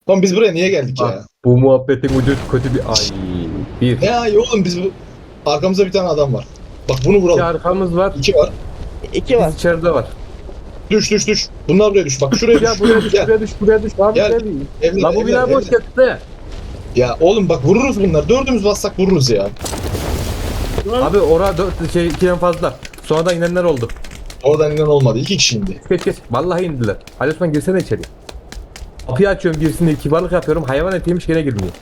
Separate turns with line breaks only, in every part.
Lan biz buraya niye geldik
Bak
ya?
bu muhabbetin ucu kötü bir ay. Bir.
Ne ay oğlum biz bu... Arkamızda bir tane adam var. Bak bunu
İki
vuralım.
arkamız var.
İki var.
İki var.
Biz içeride var.
Düş düş düş. Bunlar buraya düş. Bak şuraya düş.
Ya buraya düş,
Gel.
buraya düş, buraya düş. Abi
Gel.
gel.
Evler,
La bu bina
evler,
boş
evler.
gitti.
Ya oğlum bak vururuz bunlar. Dördümüz bassak vururuz ya.
Abi orada 2'den fazla. Sonradan inenler oldu.
Oradan inen olmadı. İki kişi indi.
Geç. Vallahi indiler. Ali Osman girsene içeri. Kapıyı açıyorum birisini kibarlık yapıyorum. Hayvan etiymiş gene girmiyor.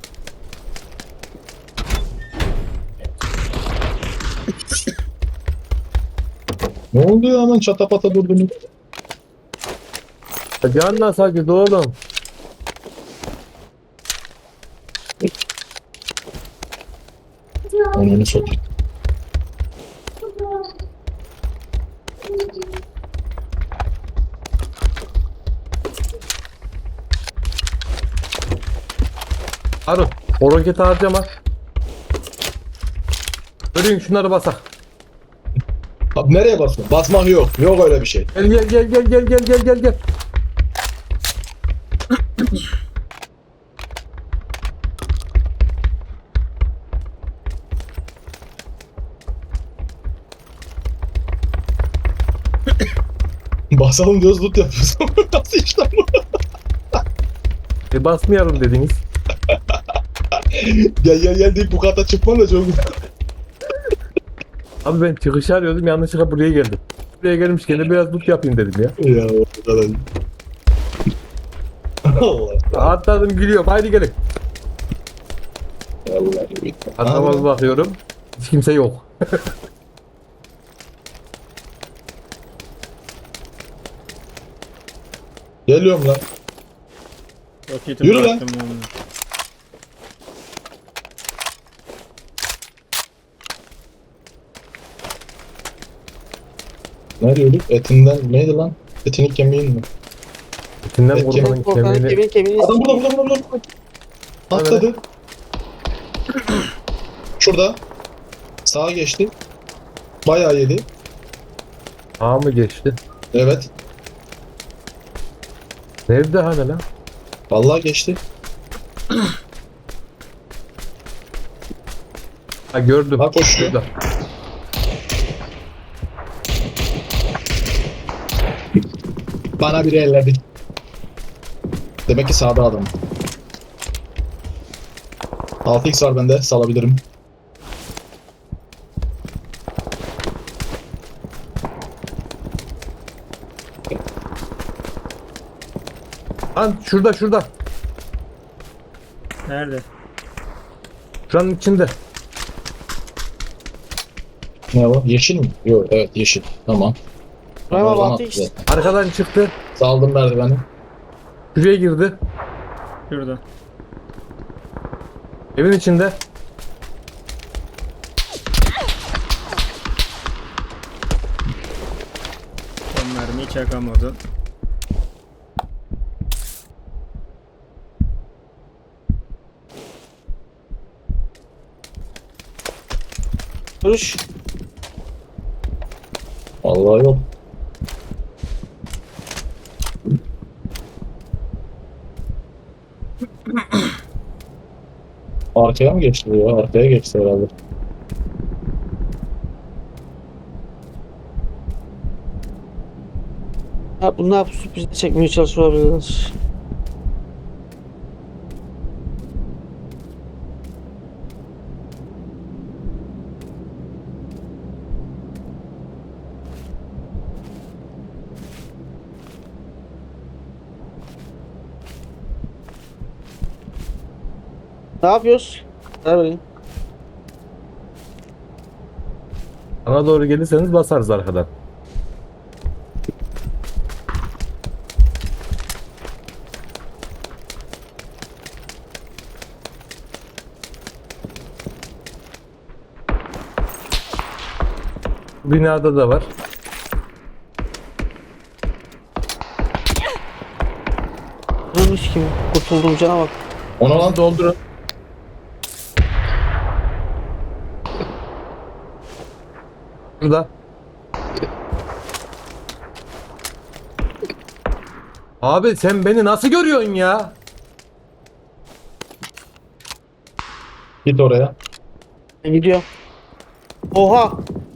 Ne oldu ya hemen çatapata durdunuz?
Canla sakin oğlum.
Onu satayım.
Harun o roketi harcama. Görün şunları basak.
Abi nereye basma? Basmak yok. Yok öyle bir şey.
Gel.
Basalım diyoruz loot yapıyoruz. Nasıl işler bu?
Basmayalım dediniz.
Gel deyip bu kata çıkman da çok güzel.
Abi ben çıkışı arıyordum yanlışlıkla buraya geldim. Buraya gelmişken de biraz loot yapayım dedim ya.
Ya o kadar. Allah.
Atladım gülüyorum haydi gelin.
Allah.
Atlamaz bakıyorum. Hiç kimse yok.
Geliyorum lan.
Roketimi
Yürü lan.
bıraktım onu.
Ne diyorduk? Etinden neydi lan? Etini kemiğin mi?
İçinden
Evet,
korkanın
Korkanın
kemiğini.
kemiğini
Adam burada. Atladı. Şurada. Sağa geçti. Bayağı yedi.
Ağa mı geçti?
Evet.
Nerede hani lan?
Vallahi geçti.
Ha gördüm.
Ha koşuyor.
Şurada.
Bana biri elledi. Demek ki sağda adam. 6x var bende. Salabilirim.
Lan şurada.
Nerede?
Şuranın içinde.
Ne o? Yeşil mi? Yok evet yeşil. Tamam.
Bravo,
Oradan
6x.
attı zaten.
Arkadan çıktı.
Saldım merdiveni.
Şuraya girdi.
Şurada.
Evin içinde.
Son mermiyi çakamadı.
Duruş.
Vallahi yok. Arkaya mı geçti bu ya? Arkaya geçti herhalde.
Ha, bunlar sürpriz çekmeye çalışıyor olabilirler. Ne yapıyoruz? Ver bakayım.
Bana doğru gelirseniz basarız arkadan. Binada da var.
Durmuş gibi. Kurtuldum cana bak.
Ona lan
Doldurun. Burada. Abi sen beni nasıl görüyorsun ya?
Git oraya.
Ben gidiyorum. Oha.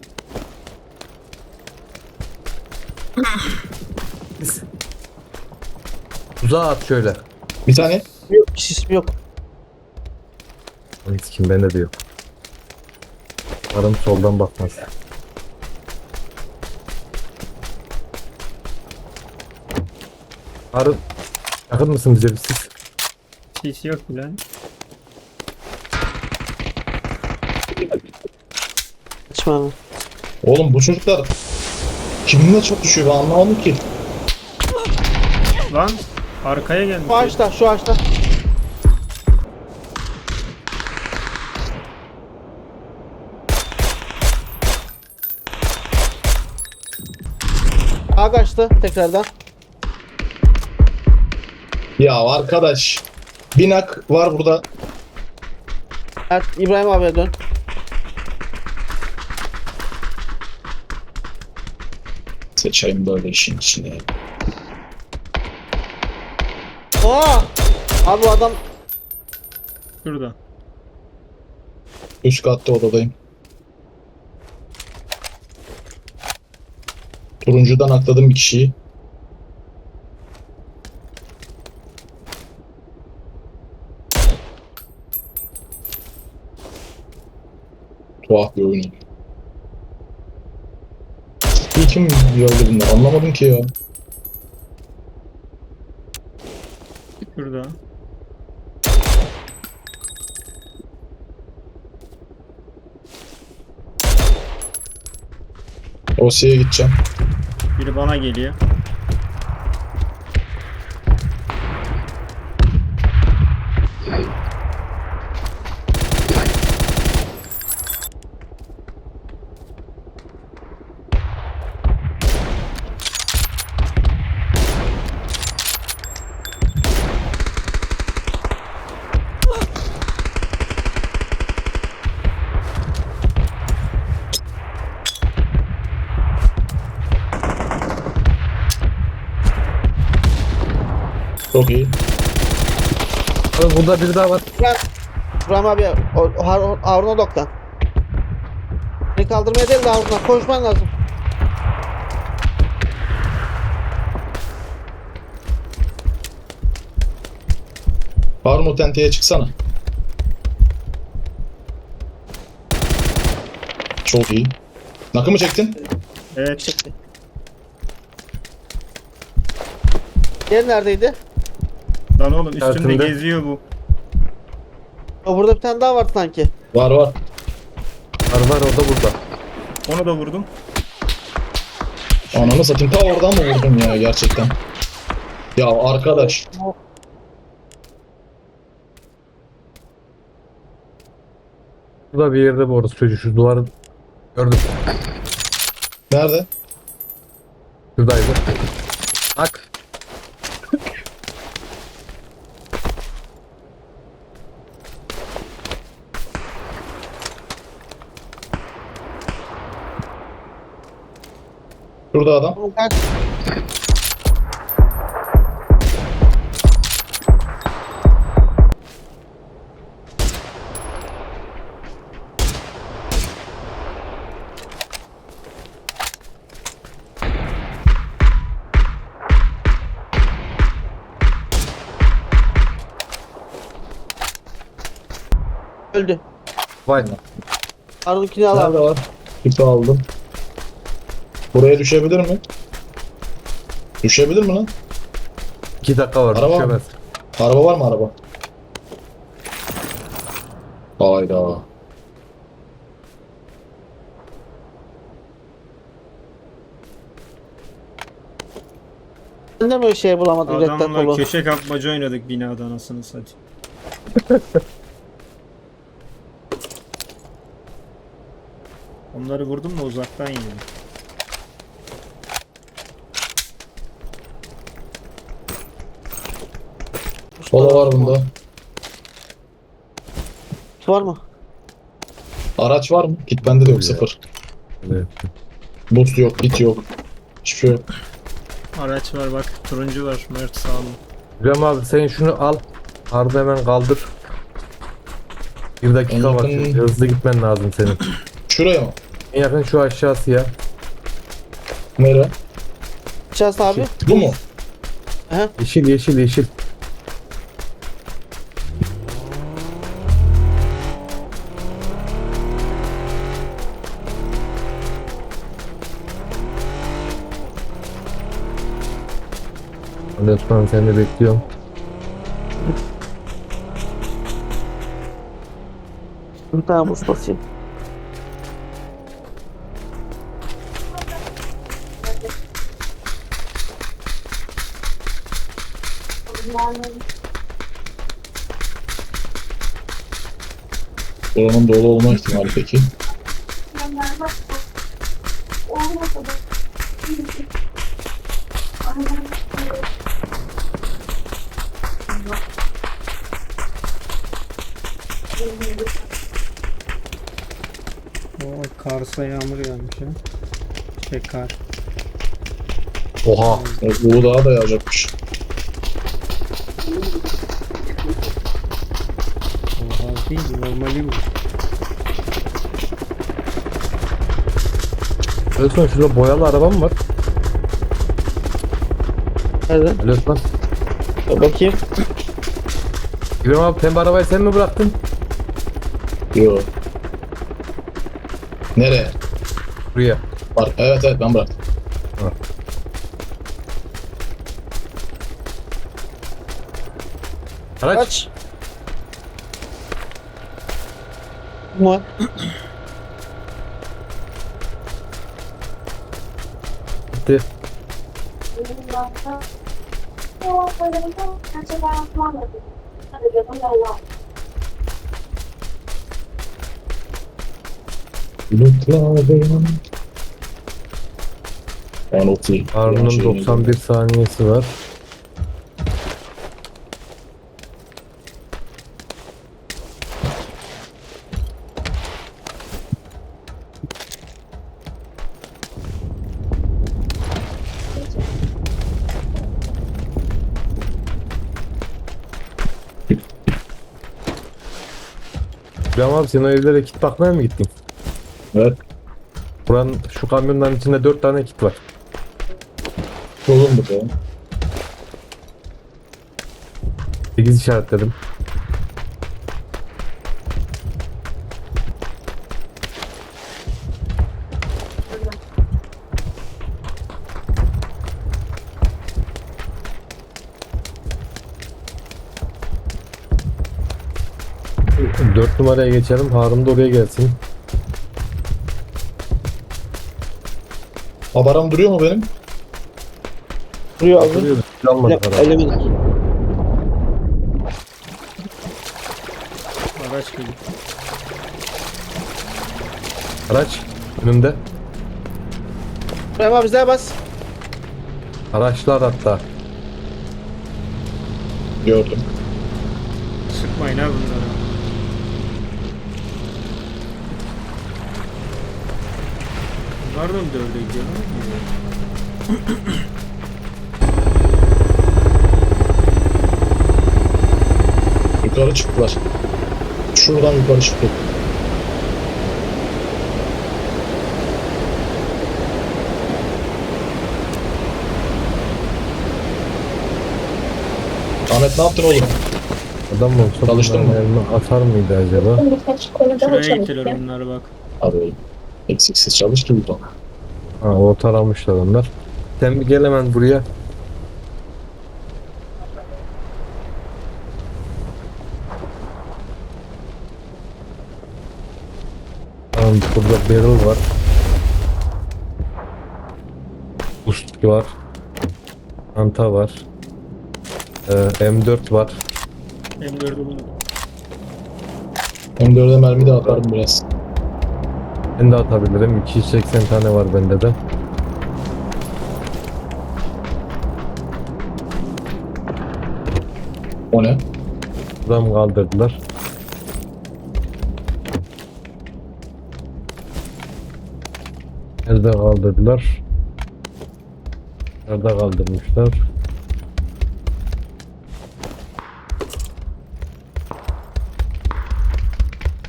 Uzağa at şöyle.
Bir tane.
Yok, sisim yok.
Hiç kim bende de yok. Umarım soldan bakmaz. Harun yakın mısın bize bir siz?
Sis yok bile.
Kaçma abi.
Oğlum bu çocuklar kiminle çok düşüyor ben anlamadım ki.
Lan arkaya gelmiş.
Şu ağaçta, şu ağaçta. Ağa kaçtı tekrardan.
Ya arkadaş. Binak var burada.
Evet, İbrahim abiye dön.
Seçeyim böyle işin içine.
Oha! Abi bu adam
Şurada.
Üst katta odadayım. Turuncudan atladım bir kişiyi. Tuhaf bir oyun. Kim gördü bunları anlamadım ki ya.
Şurada.
Osya'ya gideceğim.
Biri bana geliyor.
Çok iyi.
Harun burada biri daha var.
İbrahim abi Harun'a odaklan. Beni kaldırmaya değil de Harun'a koşman lazım.
Harun o tenteye çıksana. Çok iyi. Nakı mı çektin?
Evet.
Çıktı. Diğer neredeydi?
Lan oğlum üstümde
Altında.
geziyor bu.
O burada bir tane daha var sanki.
Var var.
Var o da burada.
Onu da vurdum.
Ananı satayım ta oradan mı vurdum ya gerçekten? Ya arkadaş.
Burada bir yerde bu orası çocuğu şu duvarı gördüm.
Nerede?
Şuradaydı. Bak.
Şurada adam.
Oğlum kaç. Öldü.
Vay.
Harun'unkini al abi.
Nerede var? Tipi aldım. Buraya düşebilir mi? Düşebilir mi lan?
2 dakika var.
Araba
Düşemez.
Araba var mı araba? Hayda.
Ben de böyle şey bulamadım. Red Dead
Adamla
dolu.
köşe kapmaca oynadık binada anasını satayım. Onları vurdum da uzaktan yedim.
Kola var bunda.
Var mı?
Araç var mı? Git bende de yok sıfır.
Evet.
Boost yok, git yok. Hiçbir şey yok.
Araç var bak turuncu var Mert sağ olun.
İbrahim abi sen şunu al. Harun hemen kaldır. Bir dakika
En
var.
yakın-
Hızlı gitmen lazım senin.
Şuraya mı?
En yakın şu aşağısı ya.
Nere?
İçerisi abi.
Bu mu?
Aha.
Yeşil yeşil yeşil. Lütfen seni de bekliyorum.
Bir tane buz basayım.
Buranın dolu olma ihtimali peki.
O Kars'a yağmur yağmış ya. Kar.
Oha.
Bu daha da yağacakmış.
Oha değil normali bu.
Lütfen şurada boyalı araba mı var?
Nerede?
Lütfen.
Bakayım.
İbrahim abi pembe arabayı sen mi bıraktın?
Yo. Nereye?
Buraya.
Var. Evet evet ben bıraktım.
Araç.
Kaç? Bu mu?
Gitti.
Bulutlarım. Ben 30.
Harun'un 91 saniyesi var. İbrahim abi sen o evlere kit bakmaya mı gittin?
Evet.
Buranın şu kamyonların içinde 4 tane kit var.
Solun bu da.
8 işaretledim. Dört numaraya geçelim. Harun da oraya gelsin.
Haberim duruyor mu benim?
Duruyor abi.
Duruyor. Almadı para.
Elimin.
Araç geliyor.
Araç önümde.
İbrahim abi bize bas.
Araçlar hatta.
Gördüm.
Sıkmayın ha bunlara. Bunlar da mı dövde gidiyor?
Yukarı çıktılar. Şuradan yukarı çıktı. Ahmet ne yaptın oğlum?
Adam olsa
Çalıştın mı?
bunların elini atar mıydı acaba?
Şuraya gittiler bunlar bak.
Abi oğlum. Eksiksiz çalıştı bu da.
Ha, o taramışlar onlar. Sen bir gel hemen buraya. Tamam, burada barrel var. Boost var. Anta var. M4 var.
M4'ü bunu.
M4'e mermi de atarım biraz.
Ben de atabilirim. 280 tane var bende de.
O ne?
Buradan kaldırdılar. Nerede kaldırdılar? Nerede kaldırmışlar?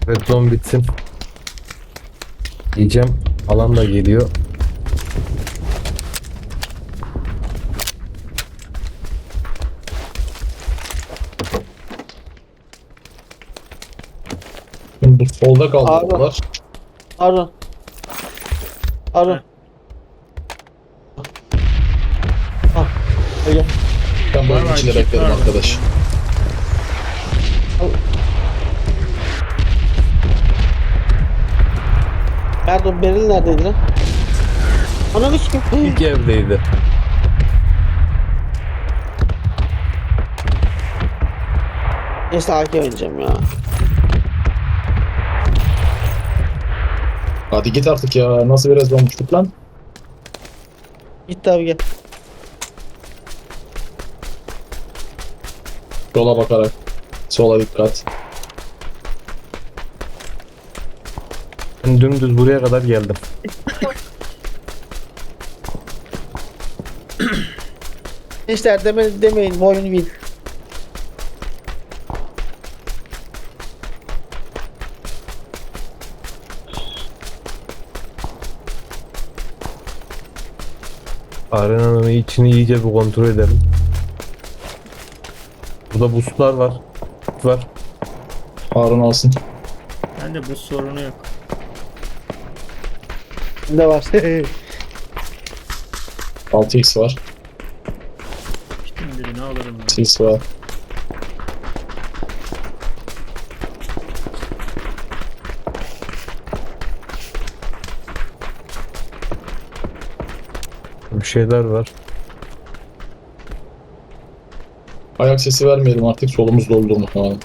Red zone bitsin. Diyeceğim. Alan da geliyor.
Şimdi bu solda kaldırdılar.
Harun. Harun. Ah. Gel.
Ben
Var
bu
var,
içinde
kit
beklerim
var.
arkadaş.
Pardon, Beril neredeydi lan? Ananı sikeyim.
İlk evdeydi.
Neyse AK oynayacağım ya.
Hadi git artık ya. Nasıl biraz olmuştuk lan?
Git abi gel.
Yola bakarak. Sola dikkat.
Ben dümdüz buraya kadar geldim.
Gençler demeyin bu oyun win.
Arenanın içini iyice bir kontrol edelim. Burada boostlar var. Var.
Harun alsın.
Bende bu sorunu yok.
Ne var?
6x var.
Gittim birini alırım ben.
6x var.
Bir şeyler var.
Ayak sesi vermeyelim artık. Solumuz doldu muhtemelen.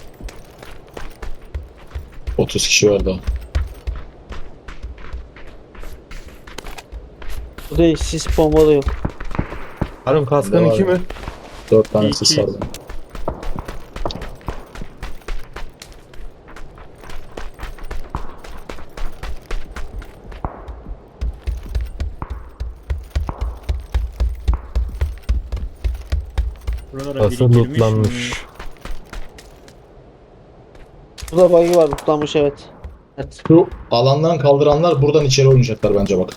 30 kişi var daha.
Bu değil, sis bomba da yok.
Harun kaskın
Var
2
ya.
mi?
4 tane
İki.
sis var daha.
Buralara
Nasıl
biriktirmiş mi?
lootlanmış?
Burada bug'i var, tutlanmış evet. Evet.
Şu alandan kaldıranlar buradan içeri oynayacaklar bence bak.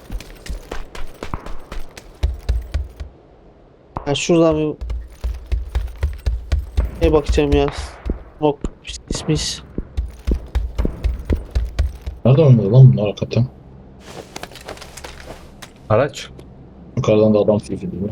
Ben şuradan bir bakacağım ya. Nok ismis.
Nerede oynadı lan bunlar hakikaten?
Araç.
Yukarıdan da adam süzülüyor.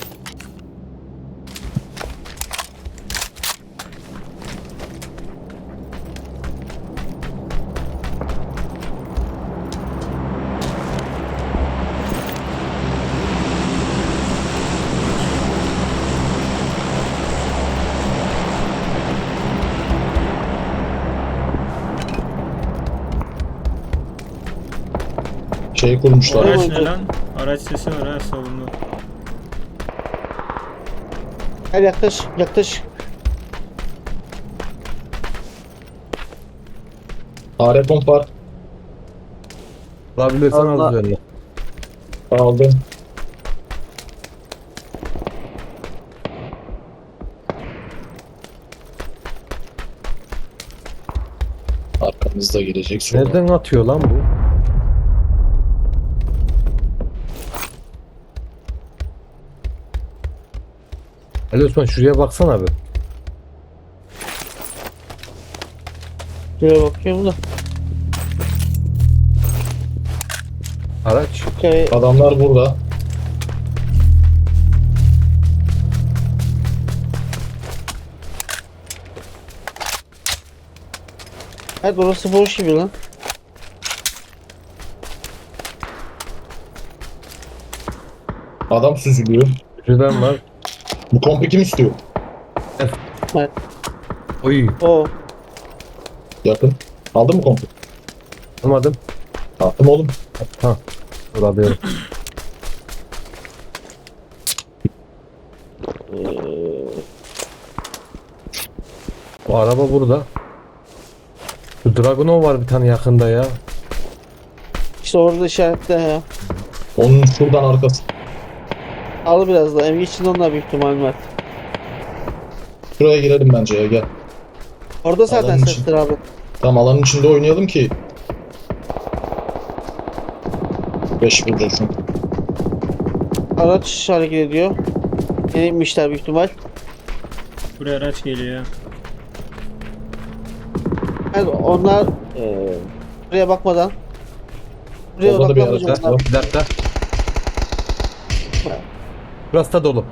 Şey kurmuşlar.
Oraya-
Araç ne lan? Araç sesi var ha savunma.
Gel yaklaş, yaklaş.
AR pomp var.
Alabilirsen
Allah.
az üzerine.
Aldım. Arkamızda gelecek sonra.
Nereden atıyor lan bu? Ali Osman şuraya baksana abi.
Şuraya bakıyorum da.
Araç.
Okay.
Adamlar burada.
Evet, burası boş gibi lan.
Adam süzülüyor.
Şuradan var.
Bu kompi kim istiyor?
Evet.
Oy.
O.
Yakın. Aldın mı kompi?
Almadım.
Attım oğlum.
Ha. Dur alıyorum. Bu araba burada. Şu Dragunov var bir tane yakında ya.
İşte orada işaretle ya.
Onun şuradan arkası.
Al biraz da. Emgi içinde onlar büyük ihtimal var.
Şuraya girelim bence ya gel.
Orada zaten
Alanın
sesler abi.
Tam alanın içinde oynayalım ki 5 vurursun.
Araç hareket ediyor. Yeni inmişler büyük ihtimal.
Buraya araç geliyor ya.
Yani onlar buraya bakmadan buraya
Orada da bir
odaklanmayacak
araç
onlar.
var.
Bir dakika. Burası da dolu.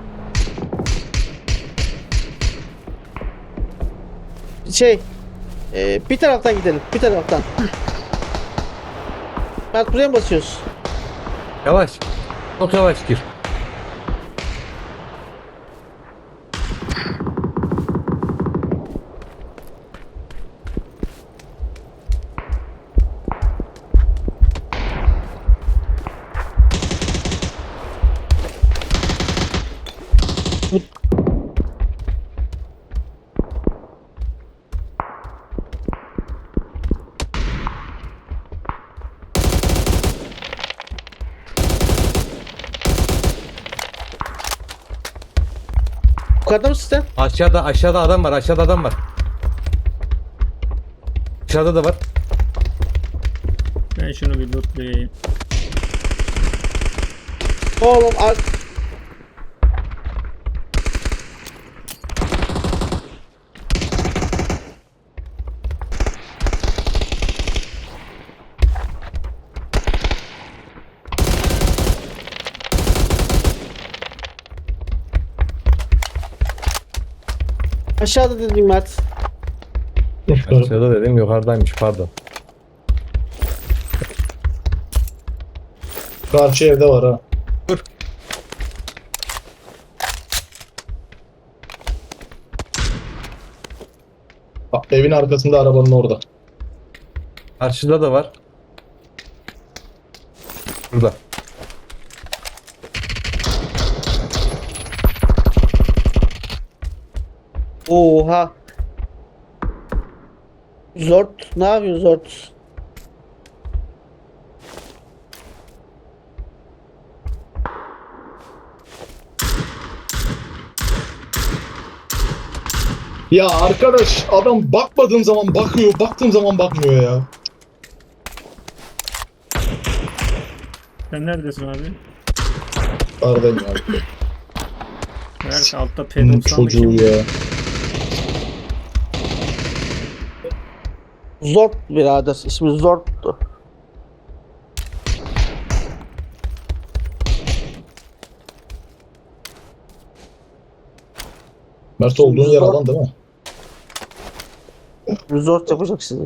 Şey bir taraftan gidelim. Bir taraftan. Mert buraya mı basıyoruz?
Yavaş. Çok yavaş gir.
Yukarıda mısın sen?
Aşağıda adam var. Aşağıda adam var. Aşağıda da var.
Ben şunu bir lootlayayım.
Oğlum aşağıda dedim Mert.
Aşağıda dedim yukarıdaymış pardon.
Karşı evde var ha.
Dur.
Bak, evin arkasında arabanın orada.
Karşıda da var. Burada.
Oha. Zort. Ne yapıyorsun Zort?
Ya arkadaş adam bakmadığım zaman bakıyor, baktığım zaman bakmıyor ya.
Sen neredesin abi?
Aradayım ya.
Mert altta
Bunun
P90'lı
çocuğu
kim?
ya.
Zort birader. İsmi Zort'tu.
Mert olduğun yer alan değil mi?
Zort yapacak sizi.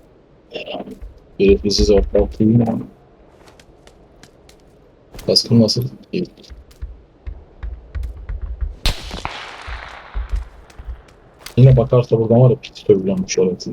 Biri bizi zorlattı mı? Baskın nasıl? İyi. Yine bakarsa buradan var ya pit törpülenmiş orası.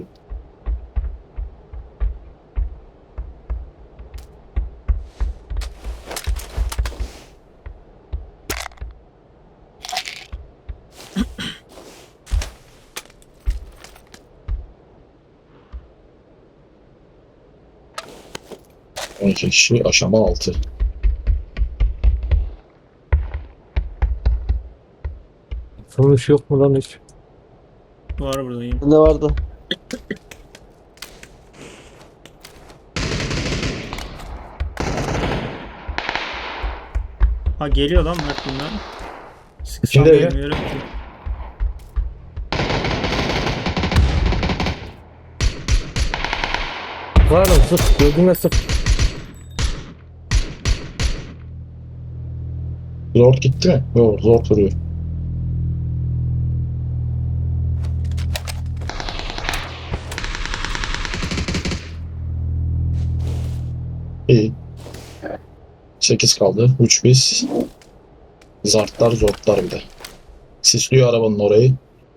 On iki kişi aşama 6.
Sonuç yok mu lan hiç?
Var buradayım.
Ne vardı?
Ha geliyor lan Mert bunlar. Sıksam
İçinde ya.
bilmiyorum ki.
Var lan sık. Gözüme sık.
Zor gitti mi? Yok zor duruyor. İyi. 8 kaldı. 3 biz. Zartlar zortlar bir de. Sisliyor arabanın orayı.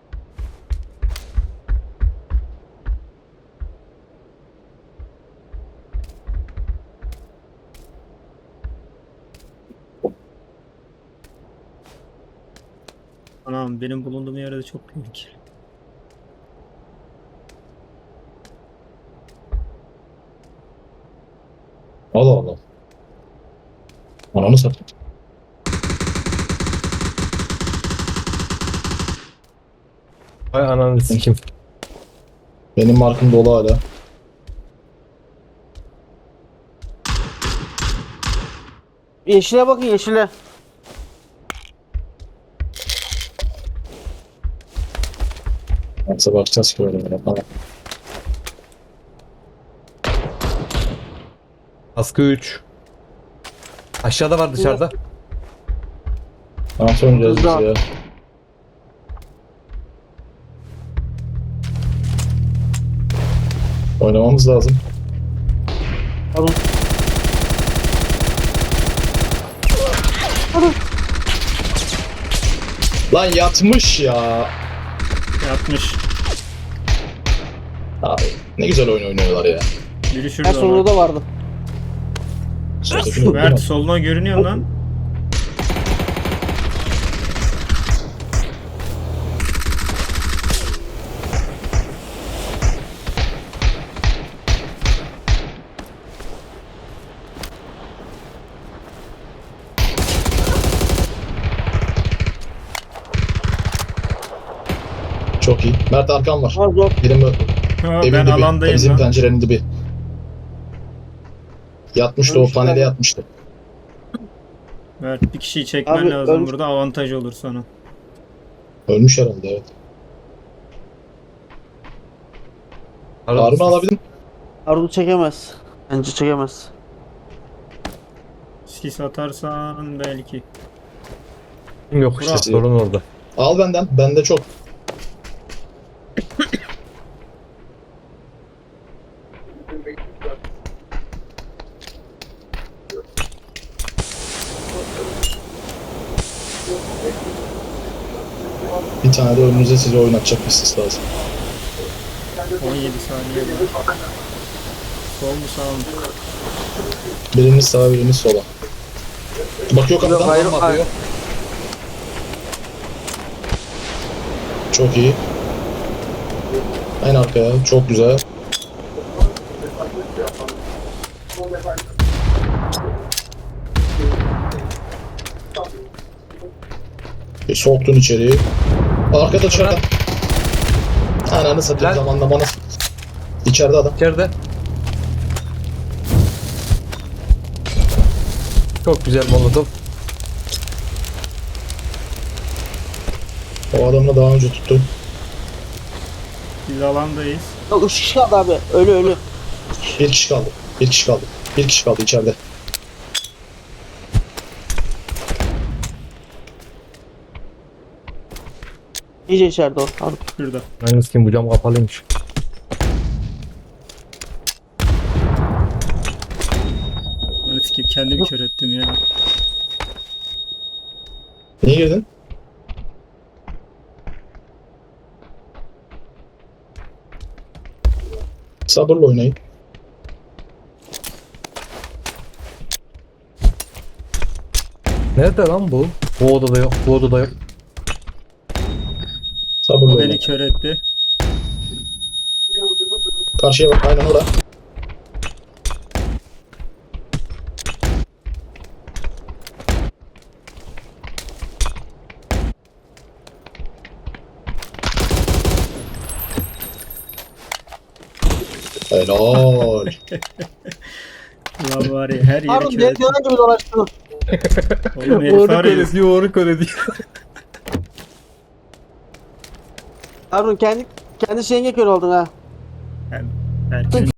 Anam benim bulunduğum yerde çok tehlikeli.
Allah Allah. Ananı satayım.
Vay ananı sikim.
Benim markım dolu hala.
Yeşile bakın yeşile.
Nasıl bakacağız ki öyle böyle falan.
Askı 3. Aşağıda var dışarıda.
Nasıl oynayacağız biz
Güzel.
ya? Oynamamız lazım.
Alın.
Lan yatmış ya.
Yatmış.
Abi ne güzel oyun oynuyorlar ya.
Biri
En
şurada
sonunda
var.
da vardı.
Soldakini vurdu
Mert
mu?
soluna görünüyor lan.
Çok iyi. Mert arkan var.
Az zor.
Birim
Ha,
evin
ben
dibi.
alandayım
Bizim
lan.
pencerenin dibi. Yatmıştı o
Ölmüş
panele
galiba.
yatmıştı.
Mert bir kişiyi çekmen
Abi,
lazım
ölmüş.
burada avantaj olur sana.
Ölmüş herhalde evet. Harun'u alabilirim.
Harun çekemez. Bence çekemez.
Sis atarsan belki.
Yok işte
Burak.
sorun orada.
Al benden. Bende çok. Bir tane de önünüze size oynatacak bir sis lazım.
17 saniye var. Sol mu sağ mı?
Biriniz sağa biriniz sola. Bakıyor kapıdan.
Hayır,
Adam
hayır.
bakıyor. Çok iyi. En arkaya. Çok güzel. Soktun içeriği. Arkada dışarıda. Ananı satayım
Lan.
zamanlamanı. İçeride adam.
İçeride. Çok güzel molotof.
O adamını daha önce tuttu.
Biz alandayız.
Yok 3 kişi kaldı abi. Ölü.
Bir kişi kaldı. Bir kişi kaldı. Bir kişi kaldı içeride.
İyice içeride o. Harun.
Şurada.
Hangisi kim bu cam kapalıymış.
Öyle ki kendimi kör ettim ya.
Niye girdin? Sabırla oynayın.
Nerede lan bu? Bu odada yok. Bu odada yok.
Sabırla
O
oynayın.
beni kör etti.
Karşıya bak. Aynen orada. Helal.
Ulan var ya her yeri
Harun
kör
diğer
etti.
yana gibi dolaştın.
Oğlum herif
Onu
var
kör
ya.
ediyor, onu kör ediyor.
Harun kendi şeyine kör oldun ha.
Belki